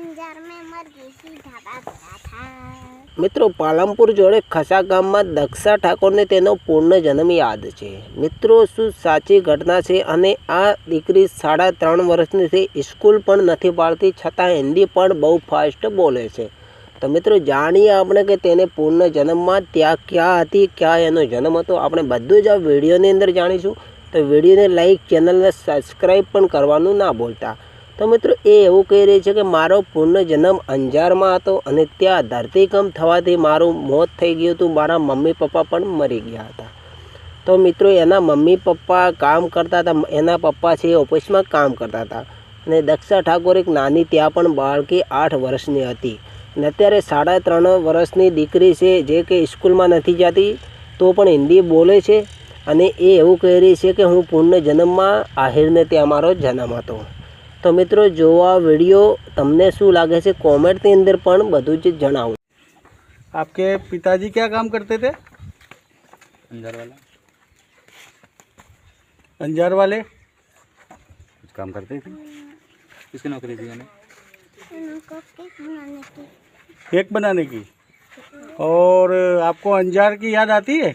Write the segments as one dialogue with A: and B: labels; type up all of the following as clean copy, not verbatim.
A: અંજાર में मरघी ढाबा गया था।
B: મિત્રો પાલનપુર જોડે ખસા ગામમાં દક્ષા ઠાકોરને તેનો પુનર્જન્મ યાદ છે। મિત્રો શું સાચી ઘટના છે? અને આ દીકરી 3.5 વર્ષની છે, સ્કૂલ પણ નથી પાડતી, છતાં હિન્દી પણ બહુ ફાસ્ટ બોલે છે। તો મિત્રો જાણીએ આપણે કે તેને પુનર્જન્મમાં ત્યાં ક્યાં હતી, ક્યાં એનો જન્મ હતો, આપણે બધું જ આ વિડીયોની અંદર જાણીશું। તો વિડીયોને લાઈક, ચેનલને સબસ્ક્રાઈબ પણ કરવાનું ના ભૂલતા। તો મિત્રો એ એવું કહી રહી છે કે મારો પુનર્જન્મ અંજારમાં હતો અને ત્યાં ધરતીકંપ થવાથી મારું મોત થઈ ગયું હતું, મારા મમ્મી પપ્પા પણ મરી ગયા હતા। તો મિત્રો એના મમ્મી પપ્પા કામ કરતા હતા, એના પપ્પા છે ઓફિસમાં કામ કરતા હતા અને દક્ષા ઠાકોર એક નાની ત્યાં પણ બાળકી 8 વર્ષની હતી અને અત્યારે 3.5 વર્ષની દીકરી છે જે કે સ્કૂલમાં નથી જતી તો પણ હિન્દી બોલે છે અને એ એવું કહી રહી છે કે હું પુનર્જન્મમાં આહિરને ત્યાં મારો જન્મ હતો। तो मित्रों जो आ वीडियो तमने शू लगे से कॉमेंट के अंदर पण बधु ज जणावो।
C: आपके पिताजी क्या काम करते थे?
D: अंजार वाला।
C: अंजार वाले
D: कुछ काम करते थे। किसकी नौकरी थी उन्हें?
A: उनको केक बनाने की।
C: केक बनाने की। और आपको अंजार की याद आती है?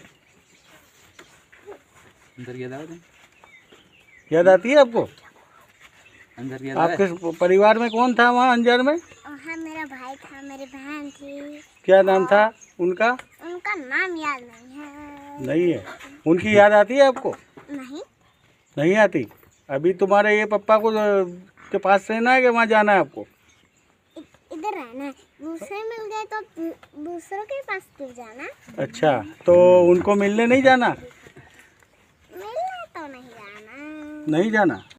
D: अंदर याद आया?
C: याद आती है आपको?
D: अंदर याद
C: आपके परिवार में कौन था वहाँ अंजार में?
A: वहाँ मेरा भाई था, मेरी बहन थी।
C: क्या नाम था उनका?
A: उनका नाम याद नहीं है।
C: नहीं है। उनकी याद आती है आपको?
A: नहीं।
C: नहीं आती। अभी तुम्हारे ये पप्पा को के पास रहना है कि वहाँ जाना है आपको?
A: इधर रहना है, दूसरे मिल गए तो दूसरों के पास क्यों जाना?
C: अच्छा, तो उनको मिलने नहीं जाना?
A: मिलना तो नहीं जाना।
C: नहीं जाना।